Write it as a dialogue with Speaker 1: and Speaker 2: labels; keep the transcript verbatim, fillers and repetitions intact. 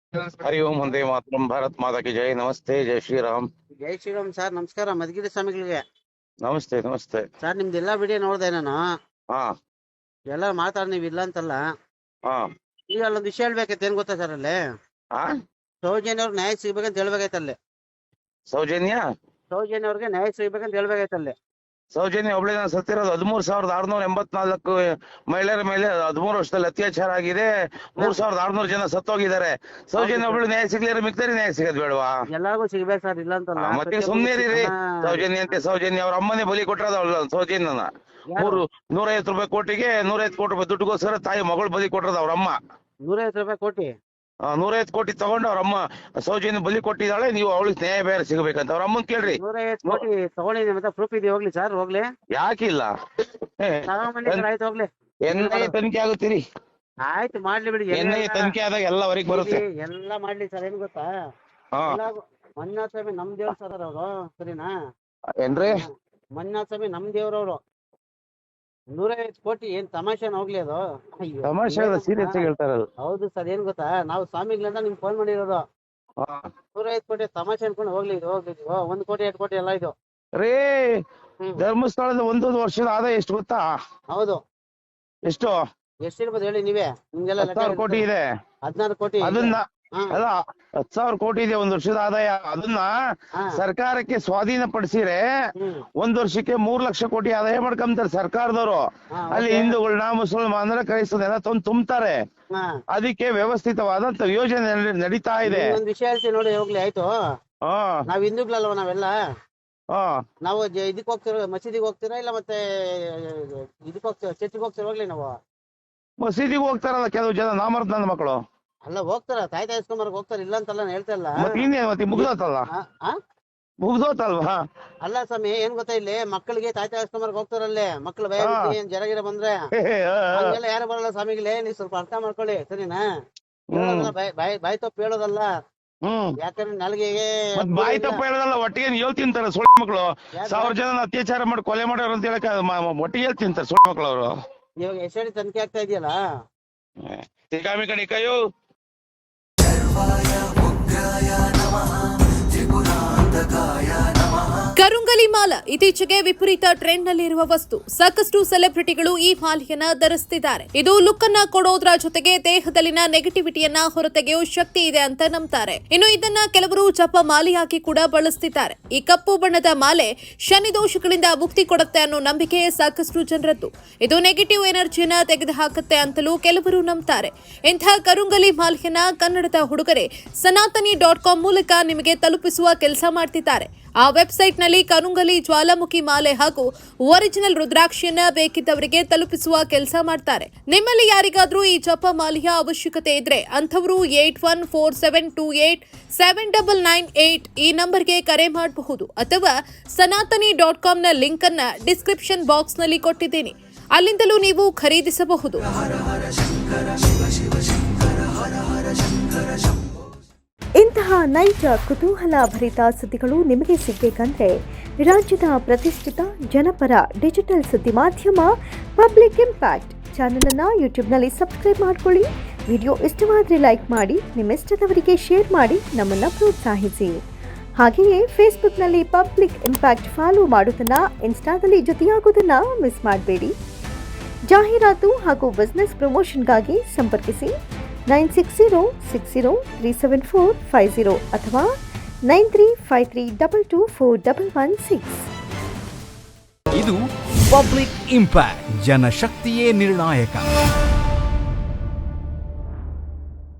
Speaker 1: ಹರಿ ಓಂ ಒಂದೇ ಮಾತರಂ. ಭಾರತ್ ಮಾತಾ ಕಿ ಜೈ. ನಮಸ್ತೆ, ಜೈ ಶ್ರೀರಾಮ್.
Speaker 2: ಜೈ ಶ್ರೀರಾಮ್ ಸರ್. ನಮಸ್ಕಾರ ಮಧುಗಿರಿ ಸ್ವಾಮಿಗಳಿಗೆ.
Speaker 1: ನಮಸ್ತೆ ನಮಸ್ತೆ.
Speaker 2: ಸರ್ ನಿಮ್ದು ಎಲ್ಲಾ ವಿಡಿಯೋ ನೋಡ್ದೆ ನಾನು.
Speaker 1: ಹಾ
Speaker 2: ಎಲ್ಲ ಮಾತಾಡ್ ನೀವ್ ಇಲ್ಲ ಅಂತಲ್ಲ.
Speaker 1: ಹಾ
Speaker 2: ಈಗ ಅಲ್ಲೊಂದು ವಿಷಯ ಹೇಳ್ಬೇಕೈತೆ. ಏನ್ ಗೊತ್ತಾ ಸರ್, ಅಲ್ಲಿ
Speaker 1: ಹಾ
Speaker 2: ಸೌಜನ್ಯ ಅವ್ರಿಗೆ ನ್ಯಾಯ ಸಿಗ್ಬೇಕಂತ ಹೇಳ್ಬೇಕಾಯ್ತಲ್ಲಿ.
Speaker 1: ಸೌಜನ್ಯ
Speaker 2: ಸೌಜನ್ಯ ಅವ್ರಿಗೆ ನ್ಯಾಯ ಸಿಗ್ಬೇಕಂತ ಹೇಳ್ಬೇಕಾಯ್ತಲ್ಲಿ.
Speaker 1: ಸೌಜನ್ಯ ಒಬ್ಳೆ ಸತ್ತಿರೋದು ಹದಿಮೂರ್ ಸಾವಿರದ ಆರ್ನೂರ ಎಂಬತ್ನಾಲ್ಕು ಮಹಿಳೆಯರ ಮೇಲೆ ಹದಿಮೂರು ವರ್ಷದಲ್ಲಿ ಅತ್ಯಾಚಾರ ಆಗಿದೆ. ಮೂರ್ ಸಾವಿರದ ಆರ್ನೂರು ಜನ ಸತ್ತೋಗಿದ್ದಾರೆ. ಸೌಜನ್ಯ ಒಬ್ಳು ನ್ಯಾಯ ಸಿಗ್ಲಿರ ಮಿಕ್ತರಿ ನ್ಯಾಯ ಸಿಗೋದ್ ಬೇಡವಾ?
Speaker 2: ಎಲ್ಲಾರ್ಗು ಸಿಗ್ಬೇಕು ಸರ್, ಇಲ್ಲ ಅಂತಲ್ಲ.
Speaker 1: ಆ, ಮತ್ತೆ ಸುಮ್ನೆ ರೀ. ಸೌಜನ್ಯ ಅಂತೆ ಸೌಜನ್ಯ ಅವ್ರ ಅಮ್ಮನೇ ಬಲಿ ಕೊಟ್ಟರದ ಸೌಜನ್ಯನ. ಮೂರು ನೂರೈವತ್ತು ರೂಪಾಯಿ ಕೋಟಿಗೆ ನೂರೈವತ್ತು ಕೋಟಿ ರೂಪಾಯಿ ದುಡ್ಡುಗೋಸ್ಕರ ತಾಯಿ ಮಗಳು ಬಲಿ ಕೊಟ್ಟರದ ಅವ್ರ ಅಮ್ಮ.
Speaker 2: ನೂರೈವತ್ತು ರೂಪಾಯಿ ಕೋಟಿ
Speaker 1: ನೂರೈವತ್ತು ಕೋಟಿ ತಗೊಂಡು ಅವ್ರ ಅಮ್ಮ ಸೌಜನ್ಯ ಬಲಿ ಕೊಟ್ಟಿದ್ದಾಳೆ. ನೀವು ಅವಳಿಗೆ ನ್ಯಾಯ ಬೇರೆ ಸಿಗಬೇಕಂತ ಅವ್ರ ಅಮ್ಮನ್ ಕೇಳ್ರಿ.
Speaker 2: ನೂರೈವತ್ತು ಕೋಟಿ ತಗೊಂಡಿದ್ದೀನಿ ಮತ್ತೆ ಪ್ರೂಫ್ ಇದೆ. ಹೋಗ್ಲಿ ಸರ್, ಹೋಗ್ಲಿ.
Speaker 1: ಯಾಕಿಲ್ಲ?
Speaker 2: ಆಯ್ತು ಹೋಗ್ಲಿ.
Speaker 1: ಎನ್ ಐ ತನಿಖೆ ಆಗುತ್ತೀರಿ.
Speaker 2: ಆಯ್ತು ಮಾಡ್ಲಿ ಬಿಡಿ.
Speaker 1: ಎನ್ ಐ ತನಿಖೆ ಆದಾಗ ಎಲ್ಲ ಹೊರಗೆ ಬರುತ್ತೆ.
Speaker 2: ಎಲ್ಲ ಮಾಡ್ಲಿ ಸರ್. ಏನ್ ಗೊತ್ತಾ,
Speaker 1: ಹಾ
Speaker 2: ಮಂಜುನಾಥ ಸ್ವಾಮಿ ನಮ್ ದೇವ್ರ ಸರ್ ಅವರು, ಸರಿನಾ?
Speaker 1: ಏನ್ರಿ?
Speaker 2: ಮಂಜುನಾಥ ಸ್ವಾಮಿ ನಮ್ ದೇವ್ರವ್ರು. ನೂರೈವತ್ತು ಕೋಟಿ ಏನ್ ತಮಾಷೆನ ಹೋಗ್ಲಿ ಅದು? ಅಯ್ಯೋ,
Speaker 1: ತಮಾಷೆ ಸೀರಿಯಸ್ ಆಗಿ ಹೇಳ್ತಾರಲ್ಲ.
Speaker 2: ಹೌದು ಸರ್. ಏನ್ ಗೊತ್ತಾ, ನಾವು ಸ್ವಾಮಿಗಳಿಂದ ನಿಮ್ಗೆ ಫೋನ್ ಮಾಡಿರೋದು. ನೂರೈವತ್ತು ಕೋಟಿ ತಮಾಷೆ ಅನ್ಕೊಂಡು ಹೋಗ್ಲಿ. ಇದು ಹೋಗ್ಲಿ, ಇದು ಒಂದ್ ಕೋಟಿ ಎರಡು ಕೋಟಿ ಎಲ್ಲ ಇದು
Speaker 1: ರೇ. ಧರ್ಮಸ್ಥಳದ ಒಂದು ವರ್ಷದ ಆದಾಯ ಎಷ್ಟು ಗೊತ್ತಾ?
Speaker 2: ಹೌದು.
Speaker 1: ಎಷ್ಟು
Speaker 2: ಎಷ್ಟಿರ್ಬೋದು ಹೇಳಿ ನೀವೇ. ನಿಮ್ಗೆಲ್ಲ
Speaker 1: ಹತ್ತಾರು ಕೋಟಿ ಇದೆ.
Speaker 2: ಹದಿನಾರು ಕೋಟಿ
Speaker 1: ಅದನ್ನ ಅಲ್ಲ, ಹತ್ ಸಾವಿರ ಕೋಟಿ ಇದೆ ಒಂದ್ ವರ್ಷದ ಆದಾಯ. ಅದನ್ನ ಸರ್ಕಾರಕ್ಕೆ ಸ್ವಾಧೀನ ಪಡಿಸಿದ್ರೆ ಒಂದ್ ವರ್ಷಕ್ಕೆ ಮೂರ್ ಲಕ್ಷ ಕೋಟಿ ಆದಾಯ ಮಾಡ್ಕೊಂತಾರೆ ಸರ್ಕಾರದವರು. ಅಲ್ಲಿ ಹಿಂದೂಗಳನ್ನ ಮುಸಲ್ಮಾನರ ಕ್ರೈಸ್ತರನ್ನ ತಂದು ತುಂಬ್ತಾರೆ. ಅದಕ್ಕೆ ವ್ಯವಸ್ಥಿತವಾದಂತ ಯೋಜನೆ ನಡೀತಾ ಇದೆ.
Speaker 2: ಒಂದ್ ವಿಷಯ ಹೇಳ್ತೀನಿ ನೋಡಿ, ಹೋಗ್ಲಿ. ಆಯ್ತು,
Speaker 1: ಹಾ
Speaker 2: ನಾವ್ ಹಿಂದೂಗಳಲ್ವ ನಾವೆಲ್ಲ.
Speaker 1: ಹಾ
Speaker 2: ನಾವು ಇದಕ್ ಹೋಗ್ತಿರೋ, ಮಸೀದಿಗೆ ಹೋಗ್ತೀರಾ ಇಲ್ಲ ಮತ್ತೆ ಇದಕ್ ಹೋಗ್ತೀರ, ಚರ್ಚಿಗೆ ಹೋಗ್ತೀರ? ಹೋಗ್ಲಿ. ನಾವು
Speaker 1: ಮಸೀದಿಗೆ ಹೋಗ್ತಾರಲ್ಲ ಕೆಲವು ಜನ, ನಾಮರ್ದ ನನ್ನ ಮಕ್ಕಳು.
Speaker 2: ಅಲ್ಲ, ಹೋಗ್ತಾರ, ತಾಯಿ ತಾಯಿ ಇಸ್ಕೊಂಬರ್ಗ್ ಹೋಗ್ತಾರ, ಇಲ್ಲ ಅಂತಲ್ಲ ನಾನು ಹೇಳ್ತಾ ಇಲ್ಲ.
Speaker 1: ಮತ್ತೆ ಇನ್ನೇನು, ಮತ್ತೆ ಮುಗ್ದೋತಲ್ಲ ಮುಗ್ದೋತಲ್ವಾ?
Speaker 2: ಅಲ್ಲ ಸ್ವಾಮಿ, ಏನ್ ಗೊತ್ತಾ, ಇಲ್ಲಿ ಮಕ್ಕಳಿಗೆ ತಾಯಿ ತಾಯಿ ಇಸ್ಕೊಂಬರ್ಗ್ ಹೋಗ್ತಾರಲ್ಲೇ. ಮಕ್ಳು ಭಯ ಏನ್ ಜರಗಿರ ಬಂದ್ರೆ ಹಂಗೆಲ್ಲ ಯಾರು ಬರಲ್ಲ ಸ್ವಾಮಿಗಳೇ. ನೀವು ಸ್ವಲ್ಪ ಅರ್ಥ ಮಾಡ್ಕೊಳ್ಳಿ, ಸರಿನಾ? ಬಾಯ್ ಬಾಯ್ ತಪ್ಪು ಹೇಳೋದಲ್ಲ.
Speaker 1: ಹ್ಮ್
Speaker 2: ಯಾಕಂದ್ರೆ ನಾಲ್ಗೆಗೆ
Speaker 1: ಬಾಯಿ ತಪ್ಪ ಹೇಳೋದಲ್ಲ, ಒಟ್ಟಿಗೆ ಹೇಳ್ ತಿಂತಾರೆ ಸುಳ್ಳು ಮಕ್ಕಳು. ಸಾವಿರ ಜನ ಅತ್ಯಾಚಾರ ಮಾಡಿ ಕೊಲೆ ಮಾಡೋರು ಅಂತ ಹೇಳಕ್ ಒಟ್ಟಿಗೆ ಹೇಳ್ ತಿಂತಾರೆ ಸುಳ್ಳು ಮಕ್ಕಳು ಅವರು.
Speaker 2: ಇವಾಗ ಎಷ್ಟಡಿ ತನಿಖೆ ಆಗ್ತಾ ಇದೆಯಲ್ಲ.
Speaker 1: ತಿಗಾಮಿ ಕಣಿ ಕೈಯು.
Speaker 3: ಕರುಂಗಲಿ ಮಾಲ ಇತ್ತೀಚೆಗೆ ವಿಪರೀತ ಟ್ರೆಂಡ್ ನಲ್ಲಿರುವ ವಸ್ತು. ಸಾಕಷ್ಟು ಸೆಲೆಬ್ರಿಟಿಗಳು ಈ ಮಾಲೆಯನ್ನ ಧರಿಸುತ್ತಿದ್ದಾರೆ. ಇದು ಲುಕ್ ಅನ್ನ ಕೊಡೋದ್ರ ಜೊತೆಗೆ ದೇಹದಲ್ಲಿನ ನೆಗೆಟಿವಿಟಿಯನ್ನ ಹೊರತೆಗೆಯೋ ಶಕ್ತಿ ಇದೆ ಅಂತ ನಂಬ್ತಾರೆ. ಇನ್ನು ಇದನ್ನ ಕೆಲವರು ಜಪ ಮಾಲೆಯಾಗಿ ಕೂಡ ಬಳಸುತ್ತಿದ್ದಾರೆ. ಈ ಕಪ್ಪು ಬಣ್ಣದ ಮಾಲೆ ಶನಿ ದೋಷಗಳಿಂದ ಮುಕ್ತಿ ಕೊಡುತ್ತೆ ಅನ್ನೋ ನಂಬಿಕೆ ಸಾಕಷ್ಟು ಜನರದ್ದು. ಇದು ನೆಗೆಟಿವ್ ಎನರ್ಜಿಯನ್ನ ತೆಗೆದುಹಾಕುತ್ತೆ ಅಂತಲೂ ಕೆಲವರು ನಂಬ್ತಾರೆ. ಇಂಥ ಕರುಂಗಲಿ ಮಾಲೆಯನ್ನ ಕನ್ನಡದ ಹುಡುಗರೆ ಸನಾತನಿ ಡಾಟ್ ಕಾಮ್ ಮೂಲಕ ನಿಮಗೆ ತಲುಪಿಸುವ ಕೆಲಸ ಮಾಡ್ತಿದ್ದಾರೆ. ಆ ವೆಬ್ಸೈಟ್ ನಲ್ಲಿ ಕರುಂಗಲಿ ಜ್ವಾಲಾಮುಖಿ ಮಾಲೆ ಹಾಗೂ ಒರಿಜಿನಲ್ ರುದ್ರಾಕ್ಷಿಯನ್ನ ಬೇಕಿದ್ದವರಿಗೆ ತಲುಪಿಸುವ ಕೆಲಸ ಮಾಡ್ತಾರೆ. ನಿಮ್ಮಲ್ಲಿ ಯಾರಿಗಾದ್ರೂ ಈ ಜಪ ಮಾಲೆಯ ಅವಶ್ಯಕತೆ ಇದ್ರೆ ಅಂಥವರು eight one four seven two eight seven double nine eight ಈ ನಂಬರ್ಗೆ ಕರೆ ಮಾಡಬಹುದು. ಅಥವಾ ಸನಾತನಿ ಡಾಟ್ ಕಾಮ್ ನ ಲಿಂಕ್ ಅನ್ನ ಡಿಸ್ಕ್ರಿಪ್ಷನ್ ಬಾಕ್ಸ್ ನಲ್ಲಿ ಕೊಟ್ಟಿದ್ದೀನಿ, ಅಲ್ಲಿಂದಲೂ ನೀವು ಖರೀದಿಸಬಹುದು.
Speaker 4: ಇಂತಹ ನೈಜ ಕುತೂಹಲ ಭರಿತ ಸುದ್ದಿಗಳು ನಿಮಗೆ ಸಿಗಬೇಕಂದ್ರೆ ರಾಜ್ಯದ ಪ್ರತಿಷ್ಠಿತ ಜನಪರ ಡಿಜಿಟಲ್ ಸುದ್ದಿ ಮಾಧ್ಯಮ ಪಬ್ಲಿಕ್ ಇಂಪ್ಯಾಕ್ಟ್ ಚಾನೆಲ್ ಅನ್ನು ಯೂಟ್ಯೂಬ್ನಲ್ಲಿ ಸಬ್ಸ್ಕ್ರೈಬ್ ಮಾಡ್ಕೊಳ್ಳಿ. ವಿಡಿಯೋ ಇಷ್ಟವಾದರೆ ಲೈಕ್ ಮಾಡಿ, ನಿಮ್ಮ ಇಷ್ಟದವರಿಗೆ ಶೇರ್ ಮಾಡಿ ನಮ್ಮನ್ನು ಪ್ರೋತ್ಸಾಹಿಸಿ. ಹಾಗೆಯೇ ಫೇಸ್ಬುಕ್ನಲ್ಲಿ ಪಬ್ಲಿಕ್ ಇಂಪ್ಯಾಕ್ಟ್ ಫಾಲೋ ಮಾಡೋದನ್ನು, ಇನ್ಸ್ಟಾದಲ್ಲಿ ಜೊತೆಯಾಗೋದನ್ನು ಮಿಸ್ ಮಾಡಬೇಡಿ. ಜಾಹೀರಾತು ಹಾಗೂ ಬಿಸ್ನೆಸ್ ಪ್ರಮೋಷನ್ಗಾಗಿ ಸಂಪರ್ಕಿಸಿ nine six zero six zero three seven four five zero ಅಥವಾ nine three five three double two four double one six.
Speaker 5: ಇದು ಪಬ್ಲಿಕ್ ಇಂಪ್ಯಾಕ್ಟ್, ಜನಶಕ್ತಿಯೇ ನಿರ್ಣಾಯಕ.